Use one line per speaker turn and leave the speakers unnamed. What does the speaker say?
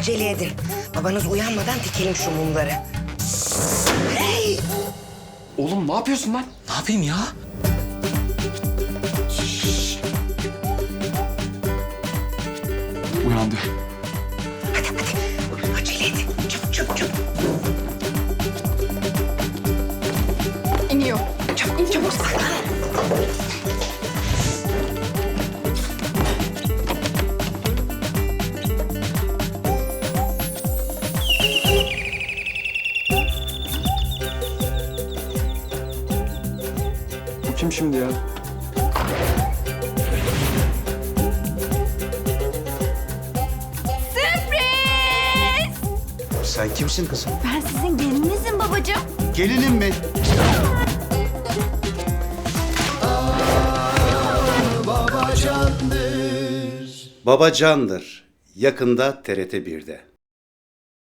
acele edin. Babanız uyanmadan dikelim şu mumları. Hey!
Oğlum ne yapıyorsun lan?
Ne yapayım ya?
Uyandı.
Acele edin. Çabuk çabuk çabuk.
İniyor.
Çabuk çabuk saklan.
Bu kim şimdi ya?
Sen kimsin kızım?
Ben sizin gelininizim babacığım.
Gelinim mi?
Babacandır yakında TRT 1'de.